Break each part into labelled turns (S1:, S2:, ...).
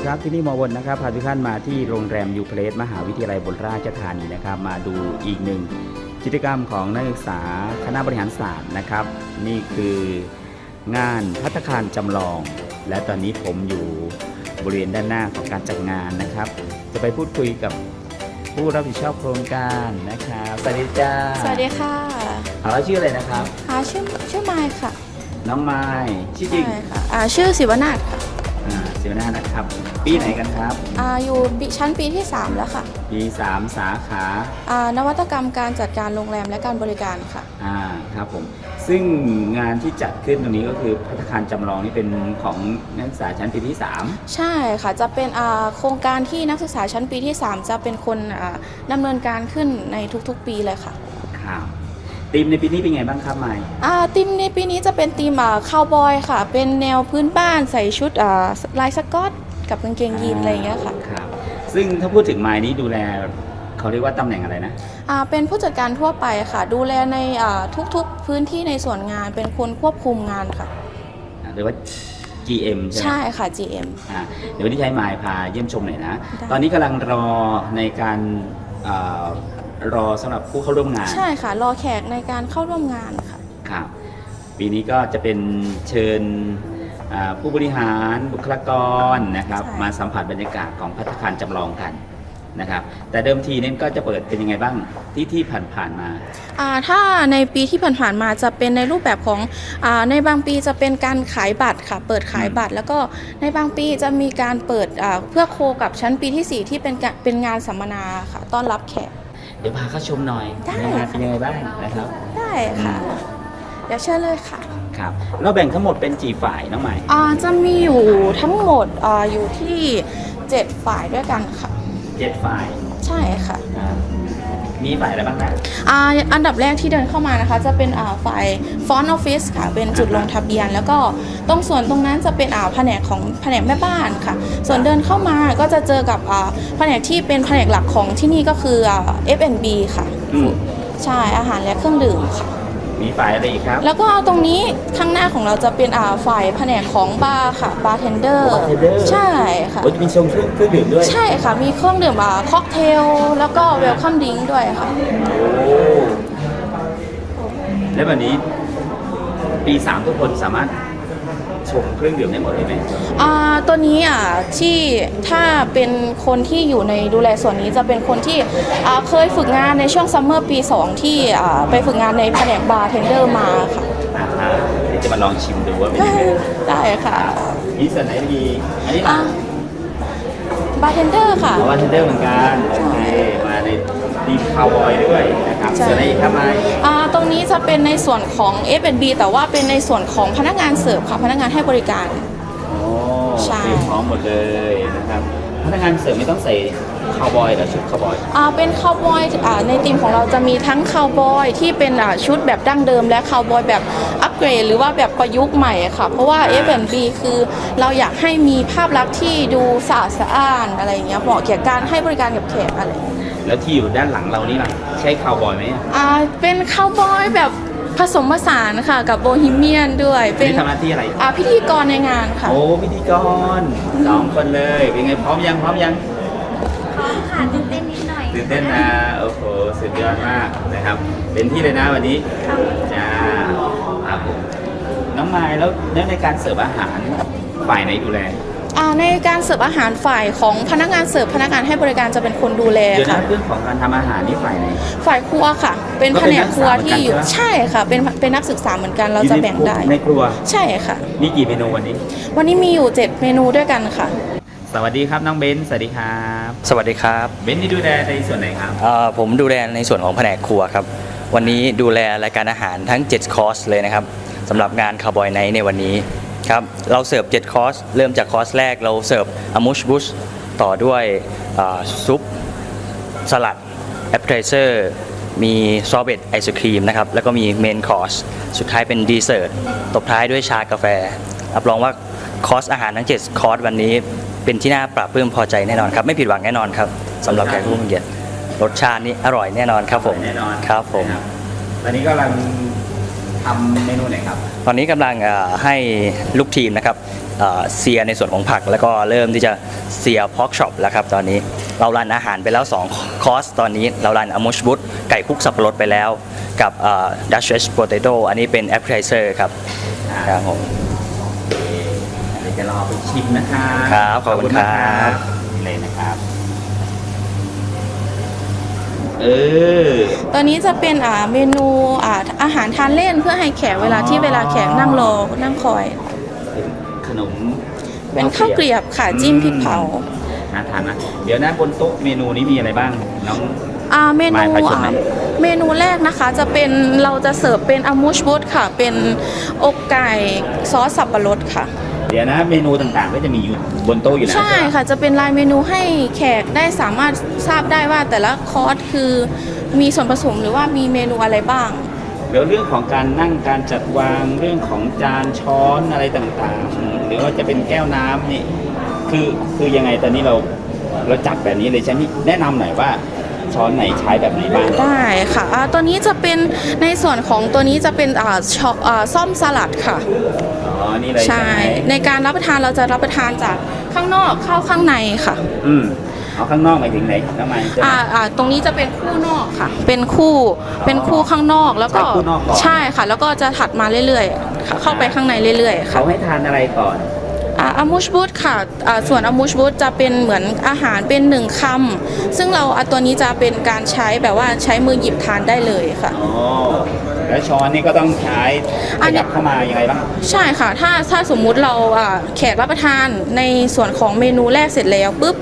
S1: ครับที่นี่หมอวนนะครับพาทุกท่านมาที่โรงแรมยูเพลสมหาวิทยาลัยบนราชธานีนะครับมาดูอีกหนึ่งกิจกรรมของนักศึกษาคณะบริหารศาสตร์นะครับนี่คืองานภัตตาคารจำลองและตอนนี้ผมอยู่บริเวณด้านหน้าของการจัดงานนะครับจะไปพูดคุยกับผู้รับผิดชอบโครงการนะครับสวัสดีจ้า
S2: สวัสดีค่ะ
S1: แล้วชื่ออะไรนะครับ
S2: ชื่อไมค์ค่ะ
S1: น้องไมค์ชื่อจริง
S2: ใช่ค่ะชื่อศิวนาถค่ะ
S1: ศิวนาถนะครับปีไหนกันครับ
S2: อยู่ชั้นปีที่ 3 แล้วค่ะ
S1: ปี3สาข
S2: านวัตกรรมการจัดการโรงแรมและการบริการค่ะ
S1: ครับผมซึ่งงานที่จัดขึ้นตรงนี้ก็คือภัตตาคารจำลองนี่เป็นของนักศึกษาชั้นปีที่3
S2: ใช่ค่ะจะเป็นโครงการที่นักศึกษาชั้นปีที่ 3จะเป็นคนดำเนินการขึ้นในทุกๆปีเลยค่ะ
S1: ครับทีมในปีนี้เป็นไงบ้างครับไมค์
S2: ทีมในปีนี้จะเป็นทีมคาวบอยค่ะเป็นแนวพื้นบ้านใส่ชุดลายสก๊อตกับกางเกงยีนอะไรอย่างเงี้ยค่ะ
S1: ครับซึ่งถ้าพูดถึงไมค์นี้ดูแลเขาเรียกว่าตำแหน่งอะไรนะ
S2: เป็นผู้จัดการทั่วไปค่ะดูแลในทุกๆพื้นที่ในส่วนงานเป็นคนควบคุมงานค่ะ
S1: หรือว่า GM ใช่ไหม
S2: ใช่ค่ะ GM
S1: เดี๋ยววันนี้ให้ไมค์พาเยี่ยมชมหน่อยนะตอนนี้กำลังรอในการรอสำหรับผู้เข้าร่วมงาน
S2: ใช่ค่ะรอแขกในการเข้าร่วมงานค่ะ
S1: ครับปีนี้ก็จะเป็นเชิญผู้บริหารบุคลากรนะครับมาสัมผัสบรรยากาศของภัตตาคารจำลองกันนะครับแต่เดิมทีนี่ก็จะเปิดเป็นยังไงบ้างที่ผ่านมา
S2: ถ้าในปีที่ผ่านมาจะเป็นในรูปแบบของในบางปีจะเป็นการขายบัตรค่ะเปิดขายบัตรแล้วก็ในบางปีจะมีการเปิดเพื่อโคกับชั้นปีที่4ที่เป็นงานสัมมนาค่ะต้อนรับแขก
S1: เดี๋ยวพาเข้าชมหน่อยงานเป็นยังไงบ้างนะครับ
S2: ได้ค่ะเดี๋ยวเชิญเลยค่ะ
S1: ครับเราแบ่งทั้งหมดเป็นกี่ฝ่ายน้องใหม่
S2: จะมีอยู่ทั้งหมดอยู่ที่7ฝ่ายด้วยกันค่ะ
S1: 7ฝ่าย
S2: ใช่ค่ะ
S1: มีฝ่ายอะไรบ้างนะ
S2: อันดับแรกที่เดินเข้ามานะคะจะเป็นฝ่ายฟอนต์ออฟฟิศค่ะเป็นจุดลงทะเบียนแล้วก็ตรงส่วนตรงนั้นจะเป็นแผนกแม่บ้านค่ะส่วนเดินเข้ามาก็จะเจอกับแผนกที่เป็นแผนกหลักของที่นี่ก็คือF&B ค่ะใช่อาหารและเครื่องดื่มค่ะ
S1: มีฝ่ายอะไรอีกครับ
S2: แล้วก็ตรงนี้ข้างหน้าของเราจะเป็นฝ่ายแผนกของบาร์ค่ะบาร์เทนเดอร์ใช่ค่ะ
S1: จะมีชงเครื่องดื่มด้วย
S2: ใช่ค่ะมีเครื่องดื่มค็อกเทลแล้วก็เวลคัมดริงก์ด้วยค่ะ
S1: แล้ววันนี้ปี3ทุกคนสามารถชงเครื่องดื่มได้หมดเลยไหม
S2: ตัวนี้ที่ถ้าเป็นคนที่อยู่ในดูแลส่วนนี้จะเป็นคนที่เคยฝึกงานในช่วงซัมเมอร์ปี2ที่ไปฝึกงานในแผนกบาร์เทนเดอร์มาค่ะ
S1: เดี๋ยวจะมาลองชิมดูว่าเป็นยังไง
S2: ได้ค่ะ
S1: มีส่วนไหนดีอันนี้
S2: บาร์เทนเดอร์ค่ะ
S1: บาร์เทนเดอร์เหมือนกันโอเคมาในทีมคาวบอยด้วยนะครับส่วนไหนอีกครับไมค์
S2: ตรงนี้จะเป็นในส่วนของ F&B แต่ว่าเป็นในส่วนของพนักงานเสิร์ฟค่ะพนักงานให้บริการ
S1: ใช่พร้อมหมดเลยนะครับพนักงานเสิร์ฟไม่ต้องใส่คาวบอยหรือชุดคาวบอย
S2: เป็นคาวบอยในทีมของเราจะมีทั้งคาวบอยที่เป็นชุดแบบดั้งเดิมและคาวบอยแบบอัปเกรดหรือว่าแบบประยุกต์ใหม่ค่ะเพราะว่า F&B คือเราอยากให้มีภาพลักษณ์ที่ดูสะอาดสะอ้านอะไรอย่างเงี้ยเหมาะแก่การให้บริการกับแขกอะไร
S1: แล้วที่อยู่ด้านหลังเรานี่ล่ะใช่คาวบอยไหม
S2: เป็นคาวบอยแบบผสมผสานค่ะกับโบฮีเมียนด้วย
S1: เป็นทำหน้าที่อะไร
S2: พิธีกรในงานค่ะ
S1: โอ้พิธีกร2คนเลยเป็นไงพร้อมยังพร้อมค่ะ
S3: ตื่นเต้นนิดหน่อย
S1: ตื่นเต้นนะโอ้โหสุดยอดมากนะครับเป็นที่เลยนะวันนี้จ้าครับผมน้องไมล์แล้วในการเสิร์ฟอาหารฝ่ายไหนดูแล
S2: ในการเสิร์ฟอาหารฝ่ายของพนักงานเสิร์ฟพนักงานให้บริการจะเป็นคนดูแลค่ะ
S1: เรื่องของการทำอาหารนี่ฝ่ายไหน
S2: ฝ่ายครัวค่ะเป็นแผนกครัวที่อยู่ใช่ค่ะเป็นนักศึกษาเหมือนกันเราจะแบ่งได้
S1: ในครัว
S2: ใช่ค่ะ
S1: มีกี่เมนูวัน
S2: นี้มีอยู่7เมนูด้วยกันค่ะ
S1: สวัสดีครับน้องเบนสวัสดีครับ
S4: สวัสดีครับ
S1: เบนนี่ดูแลในส่วนไหนครับ
S4: ผมดูแลในส่วนของแผนกครัวครับวันนี้ดูแลรายการอาหารทั้ง7คอร์สเลยนะครับสำหรับงานคาวบอยไนท์ในวันนี้ครับเราเสิร์ฟ7คอร์สเริ่มจากคอร์สแรกเราเสิร์ฟอามูชบุชต่อด้วยซุปสลัดแอปเปอร์ไทเซอร์มีซอร์เบตไอศครีมนะครับแล้วก็มีเมนคอร์สสุดท้ายเป็นดีเซอร์ตตบท้ายด้วยชากาแฟรับรองว่าคอร์สอาหารทั้ง7คอร์สวันนี้เป็นที่น่าปรับปลื้มพอใจแน่นอนครับไม่ผิดหวังแน่นอนครับสำหรับแขกผู้มีเกียรติรสชาตินี้อร่อยแน่นอนครับผม
S1: แน่นอน
S4: ครับผม
S1: ตอนนี้กำลังททำเมนูไหนครับ
S4: ตอนนี้กำลังให้ลูกทีมนะครับเซียในส่วนของผักแล้วก็เริ่มที่จะเซียพอกช็อปแล้วครับตอนนี้เรารันอาหารไปแล้ว2คอร์สตอนนี้เรารันอมูชบุตไก่คลุกสับปะรดไปแล้วกับดัชเชสโปเตโต้อันนี้เป็นแอปเปิลไทเซอร์ครับครับผม
S1: เดี๋ยวจะรอไปชิมนะครับ
S4: ครับขอบคุณครับ
S1: นี่เลยนะครับ
S2: ตัวนี้จะเป็นเมนูอาหารทานเล่นเพื่อให้แขกเวลาแขกนั่งรอนั่งคอย
S1: เป็นขนม
S2: เป็นข้าวเกรียบค่ะจิ้มพริกเผา
S1: น่าทานนะเดี๋ยวนะบนโต๊ะเมนูนี้มีอะไรบ้างน้อง
S2: เมนู
S1: หมายชนไหม
S2: เมนูแรกนะคะจะเป็นเราจะเสิร์ฟเป็นอามูชบุตค่ะ เป็นอกไก่ซอสสับปะรดค่ะ
S1: เดี๋ยวนะเมนูต่างๆก็จะมีอยู่บนโต๊ะอยู่แล้ว
S2: ใช่
S1: ใช่ไหม
S2: ค่ะจะเป็นรายเมนูให้แขกได้สามารถทราบได้ว่าแต่ละคอร์สคือมีส่วนผสมหรือว่ามีเมนูอะไรบ้าง
S1: เดี๋ยวเรื่องของการนั่งการจัดวางเรื่องของจานช้อนอะไรต่างๆ หรือว่าจะเป็นแก้วน้ำนี่คือยังไงตอนนี้เราจัดแบบนี้เลยใช่ไหมแนะนำหน่อยว่าช้อนไหนใช้แบบไหนบ้าง
S2: ได้ค่ะตัวนี้จะเป็นในส่วนของตัวนี้จะเป็นซ่อมสลัดค่ะ
S1: อ๋อนี่เลย
S2: ใช่
S1: ไหม
S2: ในการรับประทานเราจะรับประทานจากข้างนอกเข้าข้างในค่ะ
S1: เอาข้างนอกหมายถึงไหนน้ำมันใช่ไหม
S2: ตรงนี้จะเป็นคู่นอกค่ะ เป็นคู่ข้างนอกแล้วก็
S1: ใช้คู่นอกก่อน
S2: ใช่ค่ะ แล้วก็จะถัดมาเรื่อยๆค่ะเข้าไปข้างในเรื่อยๆค่ะ
S1: เขาให้ทานอะไรก่อน
S2: อามูชบูตค่ะส่วนอามูชบูตจะเป็นเหมือนอาหารเป็นหนึ่งคำซึ่งเราตัวนี้จะเป็นการใช้แบบว่าใช้มือหยิบทานได้เลยค่ะ
S1: อ๋อแล้วช้อนนี่ก็ต้องใช้ข
S2: อันนี้
S1: ยับเข้ามายังไงบ้าง
S2: ใช่ค่ะ ถ้าสมมุติเราแขกรับประทานในส่วนของเมนูแรกเสร็จแล้วปุ๊บ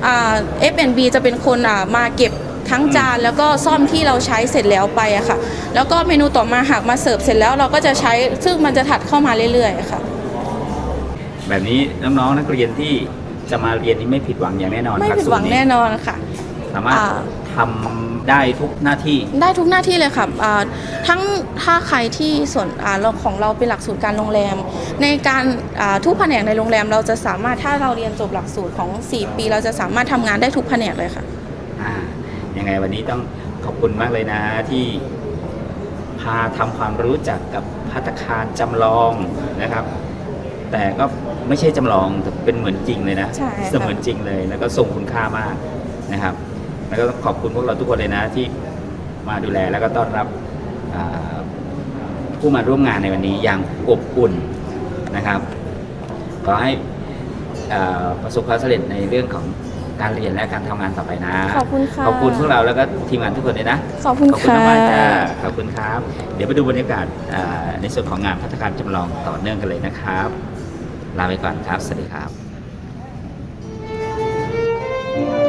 S2: F&B จะเป็นคนมาเก็บทั้งจานแล้วก็ซ่อมที่เราใช้เสร็จแล้วไปอะค่ะ แล้วก็เมนูต่อมาหากมาเสิร์ฟเสร็จแล้วเราก็จะใช้ซึ่งมันจะถัดเข้ามาเรื่อยๆค่ะ
S1: แบบนี้น้องๆนักเรียนที่จะมาเรียนนี่ไม่ผิดหวังอย่างแน่นอน
S2: ไม่ผิดหวังแน่นอนค่ะ
S1: สามารถทำได้ทุกหน้าที่
S2: ได้ทุกหน้าที่เลยค่ะทั้งถ้าใครที่ส่วนเราของเราเป็นหลักสูตรการโรงแรม ในการทุกแผนกในโรงแรมเราจะสามารถถ้าเราเรียนจบหลักสูตรของ4 ปี เราจะสามารถทำงานได้ทุกแผนกเลยค่ะ
S1: ยังไงวันนี้ต้องขอบคุณมากเลยนะที่พาทำความรู้จักกับภัตตาคารจำลองนะครับ แต่ก็ไม่ใช่จำลองแต่เป็นเหมือนจริงเลยนะ
S2: ใช่ค่ะ
S1: เสมือนจริงเลยแล้วก็ทรงคุณค่ามากนะครับ แล้วก็ต้องขอบคุณพวกเราทุกคนเลยนะที่มาดูแลแล้วก็ต้อนรับผู้มาร่วมงานในวันนี้อย่างอบอุ่นนะครับขอให้ประสบความสำเร็จในเรื่องของการเรียนและการทำงานต่อไปนะ
S2: ขอบคุณค่ะ
S1: ขอบคุณพวกเราแล้วก็ทีมงานทุกคนเลยนะ
S2: ขอบคุณ
S1: ขอบคุณ
S2: ค่ะ
S1: มากๆจ้าขอบคุณครับ เดี๋ยวไปดูบรรยากาศในส่วนของงานภัตตาคารจำลองต่อเนื่องกันเลยนะครับ ลาไปก่อนครับ สวัสดีครับ